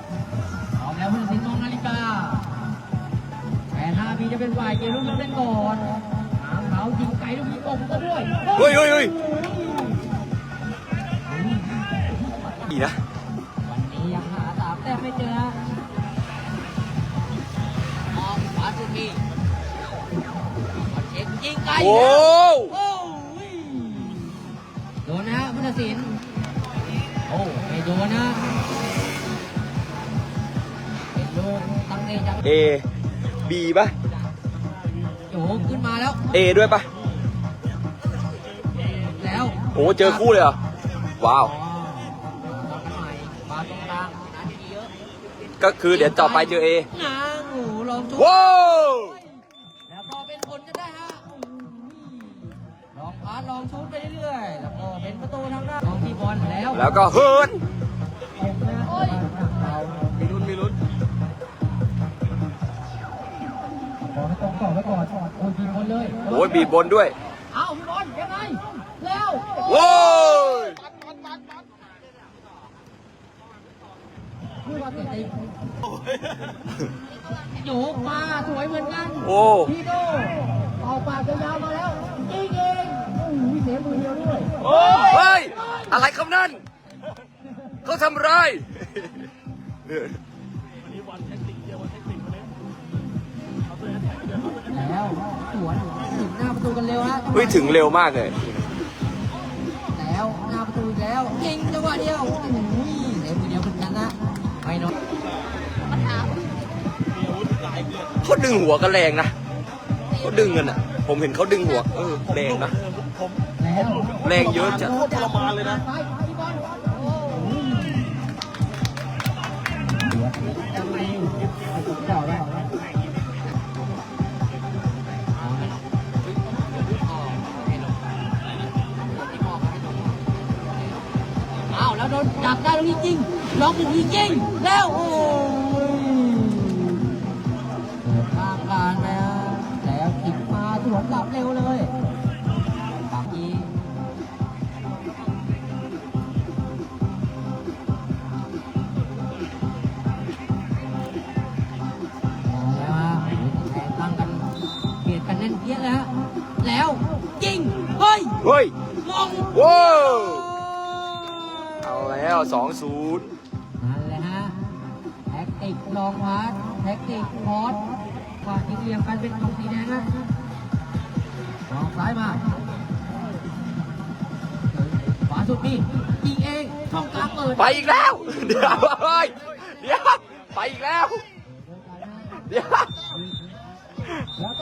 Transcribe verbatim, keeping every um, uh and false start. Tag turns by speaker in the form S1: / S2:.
S1: พร้อมแล้วผู้ตัดสินมองนาฬิกาแปดห้าปีจะเป็นฝ่ายเกมลุกเล่นก่อนหางเขายิงไกลลูกยิงออกก็ด้วย
S2: เฮ้ยเฮ้ยเฮ้ยดีนะ
S1: วันนี้ยังหาสามแต้มไม่เจอมองขวาสุดที่เช็คยิงไกลโอ้โอ้โดนนะผู้ตัดสินโอ้ไม่โดนนะเป็นโดนตั้งเตะจัง
S2: เอบีป่ะ
S1: โอ้ขึ้นมาแล้ว
S2: เอด้วยป่ะ
S1: แล้ว
S2: โอ้เจอคู่เลยเหรอว้าวก็คือเดี๋ยวต่อไปเจอเอ
S1: นะโอ้ลองชุด
S2: ว้าว
S1: แล้วพอเป็นผลจะได้ฮะลองพาลองชุดไปเรื่อยๆแล้วก็เป็นประตูทางด้านลองที่บอลแล้ว
S2: แล้วก็เฮิร์น
S1: มีลุ้นมีลุ้นขอให้ตรงต่อไว้ก่อนโอ้ยบีบบนเลย
S2: โอ้ยบีบบนด้วย
S1: เอ้าพี่บอลยังไงแล้ว
S2: ว้าว
S1: โยกมาสวยเหมือนกัน
S2: โอ้
S1: พี่โดออกปากยาวมาแล้วยิงเองโอ้ยเสียมือเดียวด้วย
S2: เฮ้ยอะไรคำนั้นเขาทำไร
S1: แล้วสวนถึงหน้าประตูกันเร็วฮะ
S2: เฮ้ยถึงเร็วมากเลย
S1: แล้วหน้าประตูแล้วยิงจังหวะเดียวโอ้ยเสียมือเดียวเหมือนกันนะไม่น้อย
S2: เขาดึงหัวกันแรงนะเขาดึงกันอ่ะผมเห็นเขาดึงหัวเออแรงนะแรงเยอะจัด
S3: ทรมานเลยนะ
S1: อ้าวแล้วโดนจับได้แล้วจริงๆล็อกจริงๆแล้วโอ้ข้างการแล้วแล้วขิงมาสวนกลับเร็วเลยปากยีแล้วฮะแทงตั้งกันเบียดกันแน่นเปี้ยแล้วแล้วจริงเฮ้ย
S2: เฮ้ย
S1: มอง
S2: ว้าวเอาแล้วสองศูนย์
S1: นั่นแหละฮะแท็กติกลองพาสแท็กติกพอสกว่าที่เรียงกันเป็นตรงสีแดงนะลองซ้ายมาขวาสุดนี่ยิงเองช่องกลางเปิด
S2: ไปอีกแล้วเดี๋ยวเฮ้ยเดี๋ยวไปอีกแล้วเดี๋ยว